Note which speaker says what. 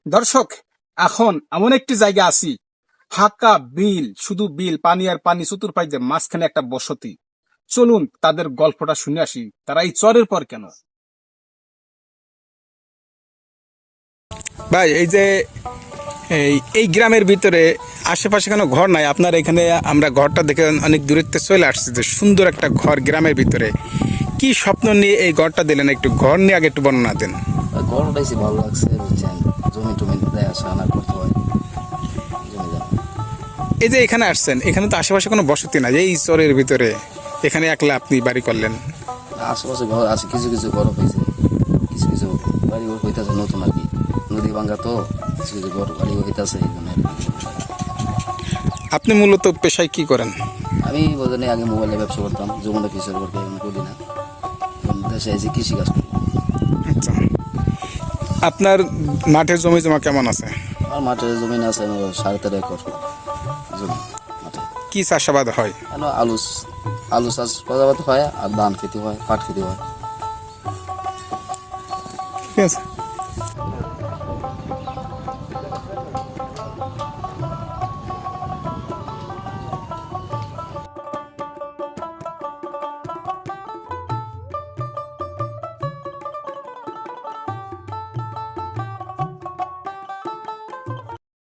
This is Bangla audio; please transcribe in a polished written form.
Speaker 1: দর্শক, এখন এমন একটি জায়গা আছি, ফাঁকা বিল, শুধু বিল, পানি আর পানি, চতুর্পাশে মাঝখানে একটা বসতি। চলুন তাদের গল্পটা শুনে আসি, তারা এই চরের পর কেন।
Speaker 2: ভাই, এই যে এই গ্রামের ভিতরে আশেপাশে কোনো ঘর নাই আপনার এখানে? আমরা ঘরটা দেখে অনেক দূরত্বে চলে আসছি, যে সুন্দর একটা ঘর গ্রামের ভিতরে। কি স্বপ্ন নিয়ে এই ঘরটা দিলেন? একটু ঘর নিয়ে আগে একটু বর্ণনা দেন।
Speaker 3: গরম বেশি ভালো লাগছে, বুঝছেন? জমি টমি দেখাশোনা না করতে হয়, জমি জমা।
Speaker 2: এই যে এখানে আসছেন, এখানে তো আশেপাশে কোনো বসতি নাই, এই চরের ভিতরে এখানে একলা আপনি বাড়ি করলেন।
Speaker 3: আশেপাশে ঘর আছে, কিছু কিছু ঘর হয়েছে, কিছু কিছু বাড়ি ঘর হইতেছে নতুন আর কি। নদী ভাঙ্গা তো, কিছু কিছু ঘর বাড়ি হইতেছে এই জন্য।
Speaker 2: আপনি মূলত পেশায় কি করেন?
Speaker 3: আমি বোঝেনি আগে মোবাইলে ব্যবসা করতাম, যমুনা ফিসের করতে এখন করি না। এখন দেশে এসে কৃষিকাজ করি।
Speaker 2: আচ্ছা, আপনার মাঠের জমি জমা কেমন আছে?
Speaker 3: আর মাঠে জমি আছে আমার 13.5 একর জমি মাঠে।
Speaker 2: কি চাষাবাদ হয়?
Speaker 3: কেন আলু আলু চাষ প্রজাপতি হয়, আর ধান খেতে হয়, পাট খেতে হয়।
Speaker 2: ঠিক আছে।